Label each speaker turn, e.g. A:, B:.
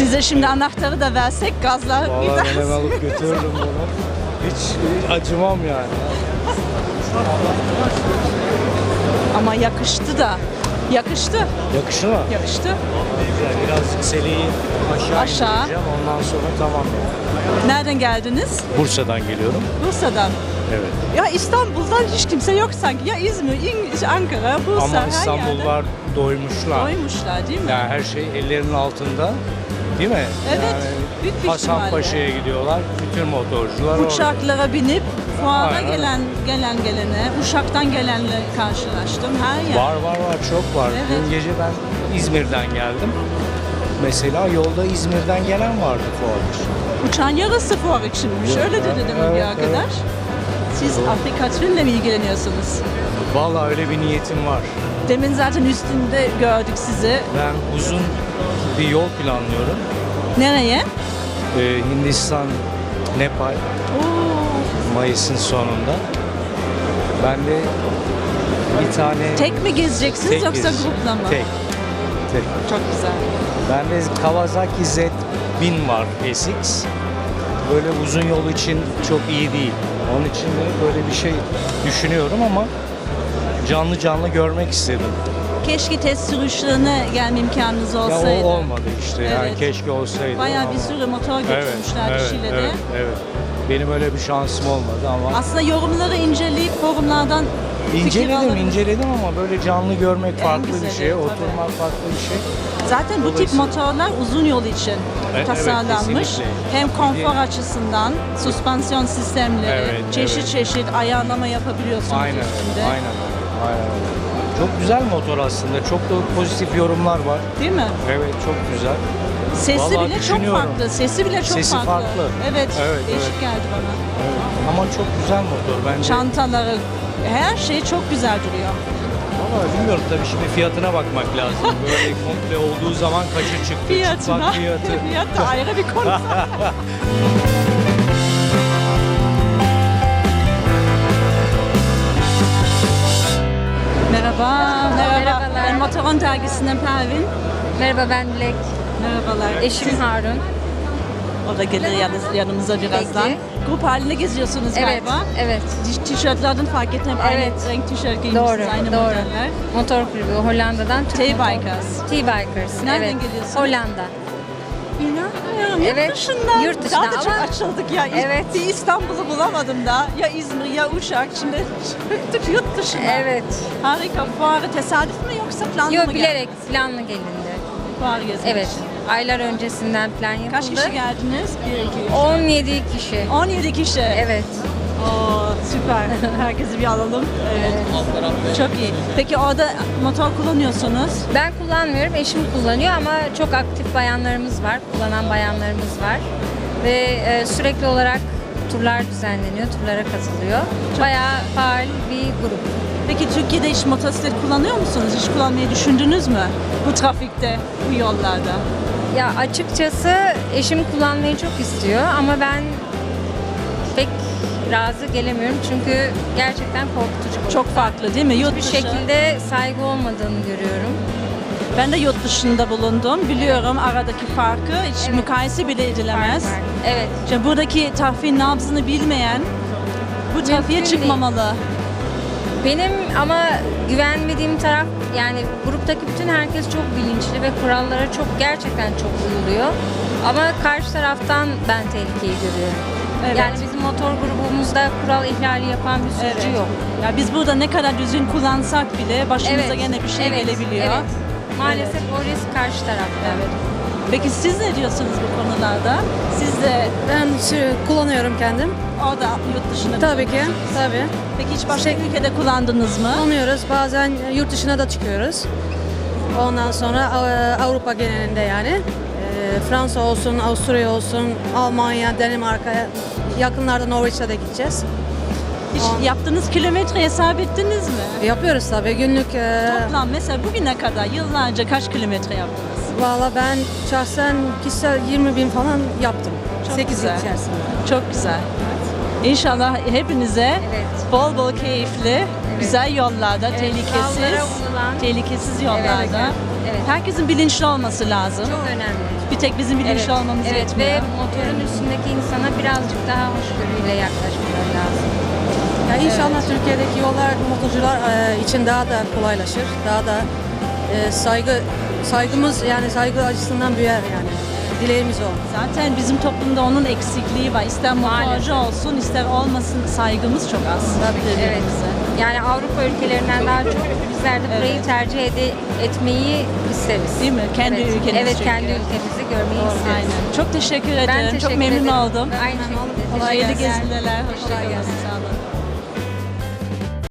A: Size şimdi anahtarı da versek gazlar
B: Vallahi
A: gider.
B: ben alıp götürürüm bunu. Hiç acımam yani.
A: Ama yakıştı da. Yakıştı.
B: Yakışır mı?
A: Yakıştı.
B: Güzel. Birazcık seleyi aşağı
A: Aşağı.
B: indireceğim. Ondan sonra tamam yani.
A: Nereden geldiniz?
B: Bursa'dan geliyorum.
A: Bursa'dan.
B: Evet.
A: Ya İstanbul'dan hiç kimse yok sanki. Ya İzmir, Ankara, Bursa,
B: Ama
A: her
B: İstanbullular
A: yerde
B: doymuşlar.
A: doymuşlar değil mi?
B: Yani her şey ellerinin altında. Değil mi?
A: Evet,
B: Yani
A: büyük bir
B: Hasan
A: ihtimalle.
B: Paşa'ya gidiyorlar. Bütün motorcular orada.
A: Uçaklara binip fuara
B: Aynen.
A: gelene, Uşak'tan gelenle karşılaştım. Her yer.
B: Var çok var.
A: Evet.
B: Dün gece ben İzmir'den geldim. Mesela yolda İzmir'den gelen vardı fuar için.
A: Uçağın yarısı fuar içinmiş. Öyle dedi demin bir
B: Evet,
A: arkadaş. Siz Afrika Tüneli'yle mi ilgileniyorsunuz?
B: Vallahi öyle bir niyetim var.
A: Demin zaten üstünde gördük sizi.
B: Ben uzun bir yol planlıyorum.
A: Nereye?
B: Hindistan, Nepal,
A: Oo,
B: Mayıs'ın sonunda. Ben de bir tane
A: tek mi gezeceksiniz
B: tek
A: yoksa
B: gezeceğim.
A: grupla mı?
B: Tek.
A: Çok güzel.
B: Bende Kawasaki Z1000 var SX. Böyle uzun yol için çok iyi değil. Onun için de böyle bir şey düşünüyorum ama canlı görmek istedim.
A: Keşke test sürüşlerine gelme imkanınız
B: Ya
A: olsaydı.
B: o olmadı işte. Yani
A: Evet.
B: keşke olsaydı.
A: Bayağı
B: ama-
A: bir sürü motor götürmüşler
B: evet,
A: Şile'de.
B: evet. Benim öyle bir şansım olmadı ama
A: Aslında yorumları inceleyip forumlardan fikir alabiliriz.
B: inceledim ama böyle canlı görmek
A: En
B: farklı bir
A: güzeli,
B: şey,
A: tabii.
B: oturmak farklı bir şey.
A: Zaten bu tip
B: Dolayısıyla-
A: motorlar uzun yol için
B: Evet,
A: tasarlanmış.
B: kesinlikle.
A: Hem konfor açısından, süspansiyon sistemleri,
B: Evet,
A: çeşit ayarlama yapabiliyorsunuz
B: Aynen
A: üstünde.
B: öyle. Aynen öyle. Çok güzel motor aslında. Çok da pozitif yorumlar var.
A: Değil mi?
B: Evet, çok güzel.
A: Sesi
B: Vallahi
A: bile çok
B: düşünüyorum.
A: farklı. Sesi bile çok
B: Sesi farklı.
A: Evet,
B: Evet,
A: değişik
B: evet.
A: geldi bana.
B: Evet. Ama çok güzel motor bence.
A: Çantaları, her şey çok güzel duruyor.
B: Ama bilmiyorum tabii şimdi fiyatına bakmak lazım. Böyle komple olduğu zaman kaça çıktı?
A: Fiyatına.
B: Çıplak fiyatı.
A: Fiyat da ayrı bir konu. Merhaba.
C: Merhabalar.
A: Ben Motoron dergisinden Pervin.
C: Merhaba, ben Dilek.
A: Merhabalar.
C: Eşim Harun.
A: O da gelir yanımıza birazdan.
C: Peki.
A: Grup halinde geziyorsunuz
C: Evet,
A: galiba.
C: evet.
A: Tişörtlerden fark ettim.
C: Evet.
A: Aynı renk tişört giymişsiniz.
C: Doğru,
A: Aynı
C: doğru.
A: modeller.
C: Motor kulübü Hollanda'dan. Türk
A: T-Bikers.
C: T-Bikers.
A: Nereden
C: evet.
A: geliyorsunuz?
C: Hollanda.
A: İnanmıyorum.
C: Evet,
A: Yurt dışından.
C: yurt dışından
A: Daha da çok
C: ama-
A: açıldık ya.
C: Evet.
A: Bir İstanbul'u bulamadım da. Ya İzmir ya Uşak. Şimdi çıktık yurt dışına.
C: Evet.
A: Harika. Fuarı tesadüf mü yoksa planlı
C: Yok,
A: mı
C: bilerek planlı gelindi.
A: Fuarı gezmek
C: Evet.
A: için.
C: Aylar öncesinden plan yapıldı.
A: Kaç kişi geldiniz? 1, 2, 3.
C: 17 kişi.
A: 17 kişi.
C: Evet.
A: Oo, süper. Herkesi bir alalım. Evet. Çok iyi. Peki orada motor kullanıyorsunuz.
C: Ben kullanmıyorum, eşim kullanıyor ama çok aktif bayanlarımız var, kullanan bayanlarımız var. Ve sürekli olarak turlar düzenleniyor, turlara katılıyor. Bayağı faal bir grup.
A: Peki Türkiye'de hiç motosiklet kullanıyor musunuz? Hiç kullanmayı düşündünüz mü? Bu trafikte, bu yollarda.
C: Ya açıkçası eşim kullanmayı çok istiyor ama ben pek razı gelemiyorum çünkü gerçekten korkutucu.
A: Çok farklı değil mi? Yurt
C: bir
A: dışı.
C: şekilde saygı olmadığını görüyorum.
A: Ben de yurt dışında bulundum. Biliyorum aradaki farkı. Hiç
C: Evet.
A: mukayese bile edilemez.
C: Fark var. Evet.
A: İşte buradaki trafiğin nabzını bilmeyen bu trafiğe
C: Mümkün
A: çıkmamalı.
C: Benim ama güvenmediğim taraf, yani gruptaki bütün herkes çok bilinçli ve kurallara gerçekten çok uyuluyor. Ama karşı taraftan ben tehlikeyi görüyorum.
A: Evet.
C: Yani bizim motor grubumuzda kural ihlali yapan bir sürücü yok.
A: Ya biz burada ne kadar düzgün kullansak bile başımıza gene bir şey
C: evet,
A: gelebiliyor.
C: Evet. Maalesef o risk karşı tarafta.
A: Evet. Peki siz ne diyorsunuz bu konularda? Siz de
D: Ben kullanıyorum kendim.
A: orada yurt dışında
D: Tabii ki,
A: kullanıyorsunuz.
D: tabii.
A: Peki hiç başka ülkede kullandınız mı?
D: Kullanıyoruz. Bazen yurt dışına da çıkıyoruz. Ondan sonra Avrupa genelinde yani. Fransa olsun, Avusturya olsun, Almanya, Danimarka, yakınlarda Norveç'e de gideceğiz.
A: Hiç yaptığınız kilometre hesap ettiniz mi?
D: Yapıyoruz tabii günlük.
A: Toplam mesela bugüne kadar yıllarca kaç kilometre yaptınız?
D: Valla ben şahsen kişisel 20 bin falan yaptım.
A: Çok
D: 8 yıl
A: güzel.
D: içerisinde.
A: Çok güzel. İnşallah hepinize
C: Evet.
A: bol bol keyifli güzel yollarda,
C: Evet,
A: tehlikesiz,
C: kurallara uyulan-
A: tehlikesiz yollarda.
C: Evet.
A: Herkesin bilinçli olması lazım.
C: Çok önemli.
A: Bir tek bizim bilinçli
C: Evet,
A: olmamız
C: evet
A: yetmiyor.
C: ve motorun üstündeki insana birazcık daha hoşgörüyle yaklaşmaları lazım.
D: Ya inşallah Türkiye'deki yollar motorcular için daha da kolaylaşır. Daha da saygımız yani saygı açısından büyür yani. Dileğimiz o.
A: Zaten bizim toplumda onun eksikliği var. İster motorcu
C: Maalesef.
A: olsun, ister olmasın saygımız çok az.
D: Tabii ki.
C: Evet. Yani Avrupa ülkelerinden daha çok bizler de burayı tercih etmeyi isteriz.
A: Değil mi? Kendi
C: evet.
A: ülkemiz
C: Evet,
A: çünkü.
C: kendi ülkemizi görmeyi isteriz.
A: Aynen. Çok teşekkür ederim.
C: Ben teşekkür
A: çok memnun
C: ederim.
A: oldum.
C: Aynı şekilde.
A: Hayırlı
C: Teşekkürler.
A: gezintiler.
D: Kolay
A: Hoşçakalın.
D: gelsin.